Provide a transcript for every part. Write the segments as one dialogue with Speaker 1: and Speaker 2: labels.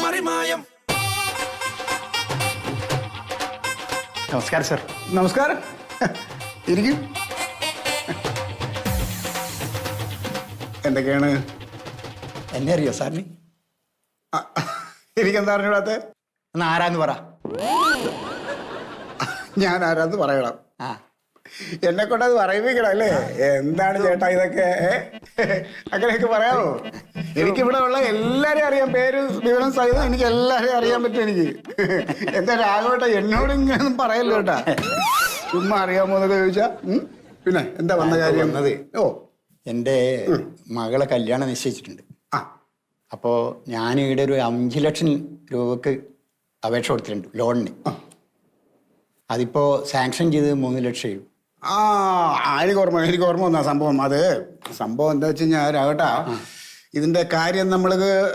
Speaker 1: പാറിമായം.
Speaker 2: നമസ്കാരം സർ.
Speaker 3: നമസ്കാരം. ഇരിക്കും. എന്തൊക്കെയാണ്?
Speaker 2: എന്നെ അറിയോ സാറിന്?
Speaker 3: എനിക്കെന്താ അറിഞ്ഞൂടാത്ത?
Speaker 2: ഒന്ന് ആരാന്ന് പറ.
Speaker 3: ഞാൻ ആരാന്ന് പറയണം.
Speaker 2: ആ,
Speaker 3: എന്നെ കൊണ്ടത് പറയിപ്പിക്കണം അല്ലേ? എന്താണ് ചേട്ടാ ഇതൊക്കെ? അങ്ങനെയൊക്കെ പറയാമോ? എനിക്കിവിടെ ഉള്ള എല്ലാരെയും അറിയാം, പേര് വിവരം സഹിതം എനിക്ക് എല്ലാരെയും അറിയാൻ പറ്റും. എനിക്ക് എന്താ രാഘവേട്ടാ എന്നോട് ഇങ്ങനെയൊന്നും പറയല്ലോ കേട്ടാ. ചുമ്മാ അറിയാമോ എന്നൊക്കെ ചോദിച്ചാ. പിന്നെ എന്താ വന്ന കാര്യം? വന്നത് ഓ
Speaker 2: എൻ്റെ മകളെ കല്യാണം നിശ്ചയിച്ചിട്ടുണ്ട്.
Speaker 3: ആ
Speaker 2: അപ്പോൾ ഞാൻ ഇവിടെ ഒരു 5 ലക്ഷം രൂപക്ക് അപേക്ഷ കൊടുത്തിട്ടുണ്ട് ലോണിന്. അതിപ്പോൾ സാങ്ഷൻ ചെയ്ത് 3 ലക്ഷം രൂപ.
Speaker 3: എനിക്ക് ഓർമ്മ വന്ന സംഭവം. അത് സംഭവം എന്താ വെച്ച് കഴിഞ്ഞാൽ രാഘട്ടാ, ഇതിന്റെ കാര്യം നമ്മൾ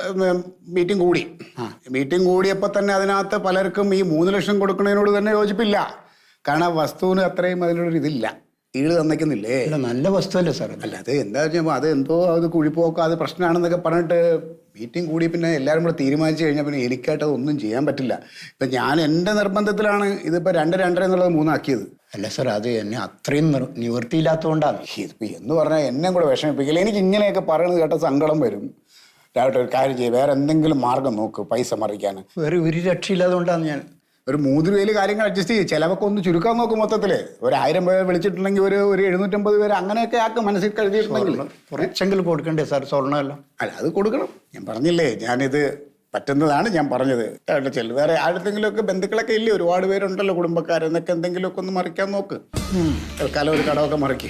Speaker 3: മീറ്റിംഗ് കൂടിയപ്പോൾ തന്നെ അതിനകത്ത് പലർക്കും ഈ 3 ലക്ഷം കൊടുക്കുന്നതിനോട് തന്നെ യോജിപ്പില്ല. കാരണം വസ്തുവിന് അത്രയും അതിനോടൊരു ഇതില്ല, ഈട് തന്നേക്കുന്നില്ലേ.
Speaker 2: നല്ല വസ്തുവല്ലേ സാർ?
Speaker 3: അല്ല അത് എന്താ വെച്ചാൽ അത് കുഴിപ്പോക്കോ അത് പ്രശ്നമാണെന്നൊക്കെ പറഞ്ഞിട്ട് മീറ്റിംഗ് കൂടി പിന്നെ എല്ലാവരും കൂടെ തീരുമാനിച്ചു കഴിഞ്ഞാൽ പിന്നെ എനിക്കായിട്ട് അതൊന്നും ചെയ്യാൻ പറ്റില്ല. ഇപ്പം ഞാൻ എൻ്റെ നിർബന്ധത്തിലാണ് ഇതിപ്പോൾ 2-2.5 എന്നുള്ളത് 3 ആക്കിയത്.
Speaker 2: അല്ല സാർ, അത് എന്നെ അത്രയും നിവൃത്തിയില്ലാത്തതുകൊണ്ടാണ്.
Speaker 3: ഇതിപ്പോൾ എന്ന് പറഞ്ഞാൽ എന്നെ കൂടെ വിഷമിപ്പിക്കില്ല. എനിക്ക് ഇങ്ങനെയൊക്കെ പറയണത് കേട്ട സങ്കടം വരും. രാവിലെ ഒരു കാര്യം ചെയ്യും, വേറെ എന്തെങ്കിലും മാർഗം നോക്ക് പൈസ മറിക്കാൻ.
Speaker 2: വേറെ ഒരു രക്ഷയില്ലാതുകൊണ്ടാണ് ഞാൻ
Speaker 3: ഒരു 3 രൂപയിൽ കാര്യങ്ങൾ അഡ്ജസ്റ്റ് ചെയ്യും. ചിലവൊക്കെ ഒന്ന് ചുരുക്കാൻ നോക്കും. മൊത്തത്തിൽ ഒരു 1000 പേരെ വിളിച്ചിട്ടുണ്ടെങ്കിൽ ഒരു 750 പേര് അങ്ങനെയൊക്കെ ആക്കും മനസ്സിൽ കരുതിയിട്ടുണ്ടെങ്കിൽ.
Speaker 2: കുറച്ചെങ്കിലും കൊടുക്കണ്ടേ സാർ സ്വർണ്ണമല്ലോ?
Speaker 3: അല്ല അത് കൊടുക്കണം. ഞാൻ പറഞ്ഞില്ലേ, ഞാനിത് പറ്റുന്നതാണ് ഞാൻ പറഞ്ഞത്. വേറെ ആരുടെങ്കിലുമൊക്കെ ബന്ധുക്കളൊക്കെ ഇല്ലേ, ഒരുപാട് പേരുണ്ടല്ലോ കുടുംബക്കാരെന്നൊക്കെ, എന്തെങ്കിലുമൊക്കെ ഒന്ന് മറിക്കാൻ നോക്ക്. തൽക്കാലം ഒരു കടമൊക്കെ മറിക്ക്.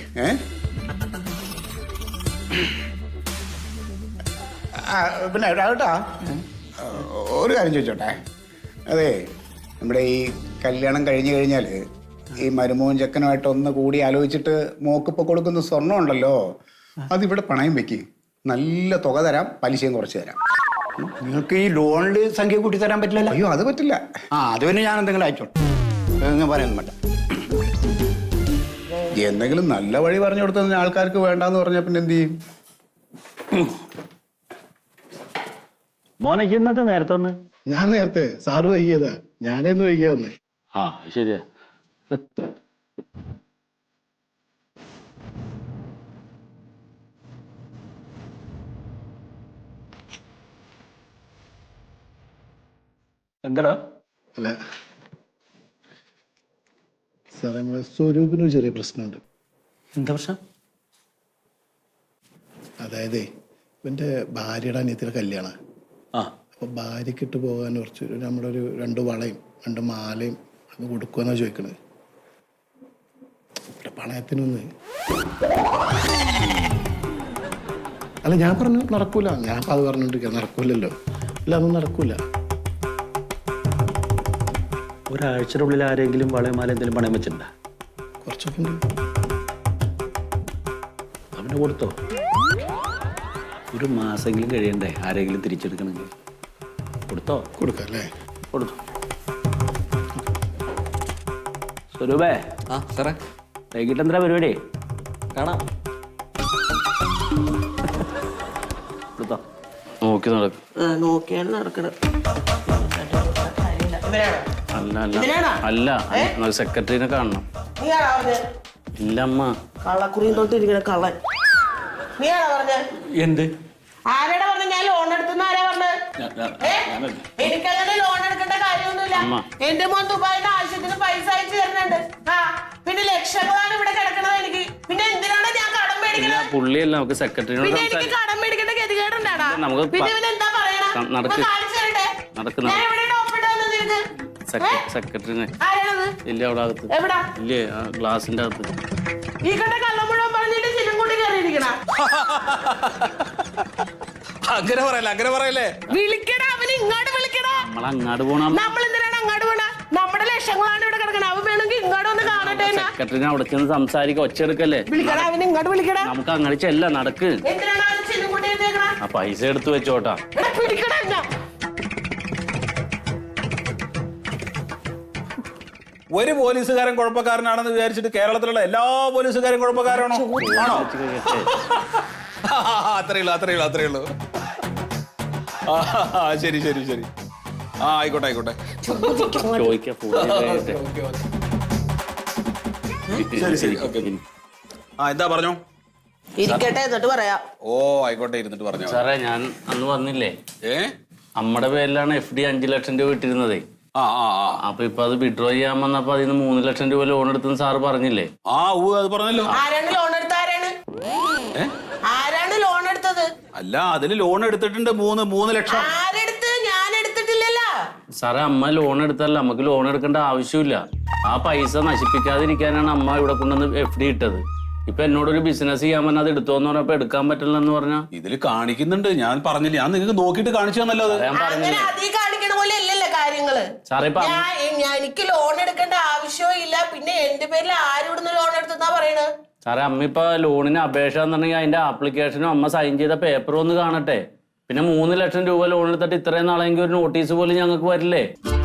Speaker 3: പിന്നെ രാവട്ടാ ഒരു കാര്യം ചോദിച്ചോട്ടെ. അതെ, നമ്മുടെ ഈ കല്യാണം കഴിഞ്ഞു കഴിഞ്ഞാൽ ഈ മരുമോൻ ചെക്കനുമായിട്ട് ഒന്ന് കൂടി ആലോചിച്ചിട്ട് മോക്കിപ്പോൾ കൊടുക്കുന്ന സ്വർണ്ണം ഉണ്ടല്ലോ, അതിവിടെ പണയം വെക്ക്. നല്ല തുക തരാം, പലിശയും കുറച്ച് തരാം.
Speaker 2: നിങ്ങൾക്ക് ഈ ലോണിൽ സംഖ്യ കൂട്ടി തരാൻ പറ്റില്ലല്ലോ?
Speaker 3: അയ്യോ അത് പറ്റില്ല.
Speaker 2: അത് പിന്നെ ഞാൻ എന്തെങ്കിലും അയച്ചോളൂ, പറയാനൊന്നും വേണ്ട.
Speaker 3: എന്തെങ്കിലും നല്ല വഴി പറഞ്ഞു കൊടുത്ത ആൾക്കാർക്ക് വേണ്ടാന്ന് പറഞ്ഞാൽ പിന്നെ എന്ത് ചെയ്യും?
Speaker 4: മോനെ ഇന്നത്തെ നേരത്തെ ഒന്ന്?
Speaker 5: ഞാൻ നേരത്തെ, സാറ് വൈകിയതാ, ഞാനേന്ന് വൈകിയ വന്നേ.
Speaker 4: ആ ശരിയാ. എന്താടാ?
Speaker 5: അല്ല സാറേ, നമ്മളെ സ്വരൂപിനൊരു ചെറിയ പ്രശ്നമുണ്ട്.
Speaker 4: എന്താ പ്രശ്നം?
Speaker 5: അതായത് ഇവന്റെ ഭാര്യയുടെ അനിയത്തിയുടെ കല്യാണം. അപ്പൊ ഭാര്യക്ക് ഇട്ട് പോകാൻ കുറച്ച് നമ്മുടെ ഒരു 2 വളയും 2 മാലയും അത് കൊടുക്കുമെന്നാ ചോദിക്കണത്. ഇവിടെ പണയത്തിനൊന്ന്. അല്ല ഞാൻ പറഞ്ഞു നടക്കൂല, ഞാൻ അത് പറഞ്ഞോണ്ടിരിക്കുക, നടക്കൂലല്ലോ. അല്ല അതൊന്നും നടക്കൂല.
Speaker 4: ഒരാഴ്ചയുടെ ഉള്ളിൽ ആരെങ്കിലും വളയമാല എന്തെങ്കിലും പണയം വെച്ചിട്ടുണ്ടാ?
Speaker 5: കുറച്ചൊക്കെ ഉണ്ട്.
Speaker 4: അവന് കൊടുത്തോ? ഒരു മാസമെങ്കിലും കഴിയണ്ടേ ആരെങ്കിലും തിരിച്ചെടുക്കണമെങ്കിൽ? കൊടുത്തോ?
Speaker 5: കൊടുക്കാം അല്ലേ?
Speaker 4: കൊടുത്തു. സ്വരൂപേ.
Speaker 1: ആ സാറേ,
Speaker 4: വൈകിട്ട് എന്താ പരിപാടി?
Speaker 1: കാണാം.
Speaker 4: കൊടുത്തോ? നോക്കി നടക്കും.
Speaker 6: നോക്കിയാണ് നടക്കണം.
Speaker 4: അല്ല അല്ല, സെക്രട്ടറിനെ കാണണം. ഇല്ല അമ്മ.
Speaker 6: കള്ളക്കുറിയും തൊട്ടിരിക്കണ കള്ളൻ. നീയാണോ പറഞ്ഞ?
Speaker 4: എന്ത്?
Speaker 6: ആരാടാ പറഞ്ഞ? ഞാൻ ലോൺ എടുത്തുന്ന ആരാ പറഞ്ഞത്? എനിക്കങ്ങനെ ലോൺ എടുക്കേണ്ട കാര്യമൊന്നുമില്ല. എന്റെ മോൻ ദുബായിന്റെ ആവശ്യത്തിന് പൈസ അയച്ചു തരുന്നുണ്ട്. പിന്നെ ലക്ഷങ്ങളാണ് ഇവിടെ കിടക്കണത് എനിക്ക്. പിന്നെ എന്തിനാണ് ഞാൻ കടം മേടിക്കണത്?
Speaker 4: പുള്ളിയല്ല, നമുക്ക് സെക്രട്ടറിനോട്.
Speaker 6: പിന്നെ എനിക്ക് കടം മേടിക്കേണ്ട ഗതികേടുണ്ടാടാ.
Speaker 4: നമുക്ക്
Speaker 6: പിന്നെ എന്താ പറയണ? കാണിച്ചു തരട്ടെ. ഞാൻ എവിടെയാണ് ഒപ്പിട്ട് വന്നത് നിനക്ക്?
Speaker 4: സെക്രട്ടറിനെ.
Speaker 6: ആരാണത്?
Speaker 4: ഇല്ല അവിടെ അകത്ത്.
Speaker 6: എവിടാ?
Speaker 4: ഇല്ലേ, ഗ്ലാസിന്റെ അകത്ത്.
Speaker 6: ഈ കണ്ട കള്ളം മുഴുവൻ പറഞ്ഞിട്ട് ചിലും കൂടി കയറിയിരിക്കണ.
Speaker 1: അങ്ങനെ പറയല്ലേ.
Speaker 6: വിളിക്കടാ, അവന് ഇങ്ങോട്ട് വിളിക്കടാ.
Speaker 4: നമ്മളങ്ങാട് പോണം.
Speaker 6: നമ്മൾ എന്തിനാണ് അങ്ങോട്ട് പോണ? നമ്മുടെ ലക്ഷങ്ങളാണ് ഇവിടെ കിടക്കണം. അവൻ വേണമെങ്കിൽ ഇങ്ങോട്ട് ഒന്ന് കാണട്ടെ.
Speaker 4: സെക്രട്ടറിനെ അവിടെ ചെന്ന് സംസാരിക്ക, ഒച്ചെടുക്കല്ലേ.
Speaker 6: വിളിക്കടാ, അവന് ഇങ്ങോട്ട് വിളിക്കടാ.
Speaker 4: നമുക്ക് അങ്ങനെ ചെല്ല, നടക്ക്.
Speaker 6: എന്തിനാണ് അവന് ചിലും കൂട്ടി എഴുതിയേക്കണ?
Speaker 4: ആ പൈസ എടുത്തു വെച്ചോട്ടാ.
Speaker 6: പിടിക്കടാ.
Speaker 1: ഒരു പോലീസുകാരൻ കുഴപ്പക്കാരനാണെന്ന് വിചാരിച്ചിട്ട് കേരളത്തിലുള്ള എല്ലാ പോലീസുകാരും കുഴപ്പക്കാരാണോ? ആണോ? അത്രേ ഉള്ളൂ. ശരി. ആ ആയിക്കോട്ടെ ആയിക്കോട്ടെ.
Speaker 4: ചോദിക്കാം ഫോൺ
Speaker 1: ശരി ശരി ഓക്കെ. ആ എന്താ പറഞ്ഞോ?
Speaker 6: ഇരിക്കട്ടെ എന്നിട്ട് പറയാം.
Speaker 1: ഓ ആയിക്കോട്ടെ, ഇരുന്നിട്ട് പറഞ്ഞോ.
Speaker 4: സാറേ ഞാൻ അന്ന് വന്നില്ലേ, അമ്മയുടെ പേരിലാണ് FD 5 ലക്ഷം രൂപ ഇട്ടിരുന്നതേ.
Speaker 1: ആ ആ ആ
Speaker 4: അപ്പൊ ഇപ്പൊ അത് വിഡ്രോ ചെയ്യാൻ വന്നപ്പോ അതിന് 3 ലക്ഷം രൂപ ലോൺ എടുത്തെന്ന് സാറ് പറഞ്ഞില്ലേ?
Speaker 1: ആ അത് പറഞ്ഞല്ലോ.
Speaker 6: ആരാണ് ലോൺ എടുത്ത? ആരാണ് ലോൺ എടുത്തത്?
Speaker 1: അല്ല അതില് ലോൺ എടുത്തിട്ടുണ്ട് 3 ലക്ഷം.
Speaker 6: ആരെടുത്ത്? ഞാൻ എടുത്തിട്ടില്ലല്ലോ
Speaker 4: സാറേ. അമ്മ ലോൺ എടുത്തല്ല, നമുക്ക് ലോൺ എടുക്കേണ്ട ആവശ്യമില്ല. ആ പൈസ നശിപ്പിക്കാതിരിക്കാനാണ് അമ്മ ഇവിടെ കൊണ്ടുവന്ന് FD ഇട്ടത്. ഇപ്പൊ എന്നോടൊരു ബിസിനസ് ചെയ്യാൻ പറഞ്ഞാൽ അത് എടുത്തോന്ന് പറഞ്ഞപ്പോ എടുക്കാൻ പറ്റില്ല എന്ന് പറഞ്ഞാ
Speaker 1: ഇതില് കാണിക്കുന്നുണ്ട്. ഞാൻ പറഞ്ഞില്ല, ഞാൻ നിങ്ങൾക്ക് നോക്കിയിട്ട് കാണിച്ചു തന്നല്ലോ.
Speaker 6: അങ്ങനെ അതീ കാണിക്കണ പോലെ അല്ലല്ലോ കാര്യങ്ങള്.
Speaker 4: സാറേ
Speaker 6: എനിക്ക് ലോൺ എടുക്കേണ്ട ആവശ്യവും ഇല്ല. പിന്നെ എന്റെ പേരിൽ ആരോടുന്ന് ലോൺ എടുത്തെന്നാ പറയണത്?
Speaker 4: സാറേ അമ്മ ഇപ്പൊ ലോണിന് അപേക്ഷ എന്നുണ്ടെങ്കിൽ അതിന്റെ ആപ്ലിക്കേഷനും അമ്മ സൈൻ ചെയ്ത പേപ്പറും ഒന്ന് കാണട്ടെ. പിന്നെ 3 ലക്ഷം രൂപ ലോൺ എടുത്തിട്ട് ഇത്രയും നാളെങ്കിൽ ഒരു നോട്ടീസ് പോലും ഞങ്ങൾക്ക് വരില്ലേ?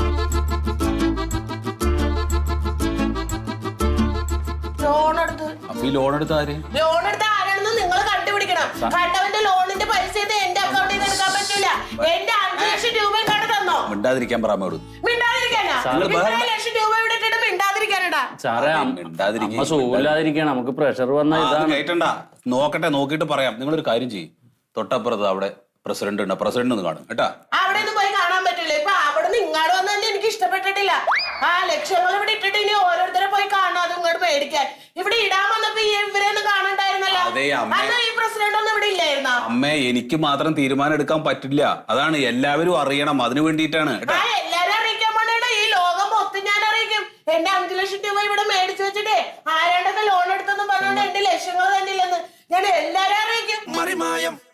Speaker 6: ലോൺ എടുത്ത്
Speaker 1: അപ്പൊ ഈ ലോൺ എടുത്ത ആര്?
Speaker 6: ലോൺ എടുത്ത ആരാണെന്ന് നിങ്ങൾ കണ്ടുപിടിക്കണം. കണ്ടവന്റെ ലോണിന്റെ പൈസ എന്റെ അക്കൗണ്ടിൽ നിന്ന് എടുക്കാൻ പറ്റൂല. എന്റെ 5 ലക്ഷം രൂപ കണ്ടു തന്നോ?
Speaker 1: മിണ്ടാതിരിക്കാൻ പറയാമോ?
Speaker 6: മിണ്ടാതിരിക്കാനാ? 2 ലക്ഷം രൂപ ഇവിടെ ഇട്ടിട്ട് മിണ്ടാതിരിക്കാനടാ?
Speaker 4: സാറേ അമ്മ സുഖമില്ലാതിരിക്കണം, നമുക്ക് പ്രഷർ വന്ന ഇതാണ്.
Speaker 1: കേട്ടണ്ട, നോക്കട്ടെ, നോക്കിയിട്ട് പറയാം. നിങ്ങളൊരു കാര്യം ചെയ്യും, തൊട്ടപ്പുറത്ത് അവിടെ പ്രസിഡന്റ് ഉണ്ട്, പ്രസിഡന്റ് ഒന്ന് കാണും കേട്ടാ.
Speaker 6: അവിടെ ഒന്നും പോയി കാണാൻ പറ്റില്ല. ഇപ്പൊ അവിടെ നിന്ന് ഇങ്ങോട്ട് വന്നെ എനിക്ക് ഇഷ്ടപ്പെട്ടിട്ടില്ല. ആ ലക്ഷങ്ങൾ ഇവിടെ ഇട്ടിട്ട് ഇനി ഓരോരുത്തരെ പോയി കാണാം, അത് ഇങ്ങോട്ട് മേടിക്കാൻ. ഇവിടെ ഇടാൻ വന്നപ്പോ ഇവരെയൊന്നും കാണണ്ടായിരുന്നല്ലോ. അന്ന് ഈ പ്രസിഡന്റ് ഒന്നും ഇവിടെ ഇല്ലായിരുന്നോ?
Speaker 1: അമ്മേ, എനിക്ക് മാത്രം തീരുമാനം എടുക്കാൻ പറ്റില്ല. അതാണ് എല്ലാവരും അറിയണം, അതിനു വേണ്ടിയിട്ടാണ്.
Speaker 6: എല്ലാരും അറിയിക്കാൻ പോണേടാ, ഈ ലോകം മൊത്തം ഞാൻ അറിയിക്കും. എന്റെ 5 ലക്ഷം രൂപ ഇവിടെ മേടിച്ചു വെച്ചിട്ടേ ആരാണ്ടൊക്കെ ലോൺ എടുത്തെന്നും പറഞ്ഞോണ്ട് എന്റെ ലക്ഷങ്ങൾ തന്നെ ഇല്ലെന്ന് ഞാൻ എല്ലാരും അറിയിക്കും.